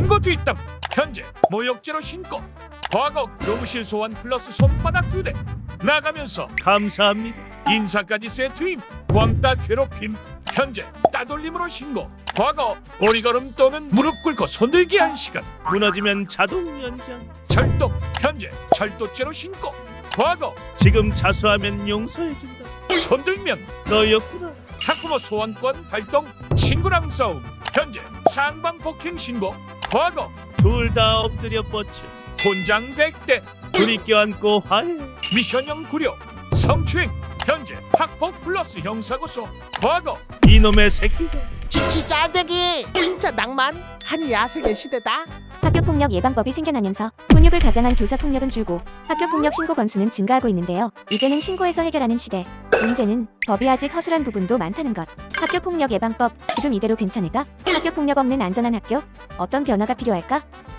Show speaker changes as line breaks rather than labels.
신고 뒷담. 현재 모욕죄로 신고. 과거 교무실 소환 플러스 손바닥 2대. 나가면서
감사합니다.
인사까지 세트임. 왕따 괴롭힘. 현재 따돌림으로 신고. 과거 오리걸음 또는 무릎 꿇고 손들기 1시간.
무너지면 자동 연장.
절도. 현재 절도죄로 신고. 과거
지금 자수하면 용서해준다.
손들면
너였구나.
학부모 소환권 발동. 친구랑 싸움. 현재 상방 폭행 신고. 과거
둘 다 엎드려 뻗쳐.
혼장 100대.
둘이 껴안고 화해.
미션형 구려. 성추행. 현재 학폭 플러스 형사고소. 과거
이놈의 새끼가.
지치 싸대기 진짜 낭만 한 야생의 시대다.
학교폭력 예방법이 생겨나면서 훈육을 가장한 교사폭력은 줄고 학교폭력 신고 건수는 증가하고 있는데요. 이제는 신고해서 해결하는 시대. 문제는 법이 아직 허술한 부분도 많다는 것. 학교폭력 예방법 지금 이대로 괜찮을까? 학교폭력 없는 안전한 학교? 어떤 변화가 필요할까?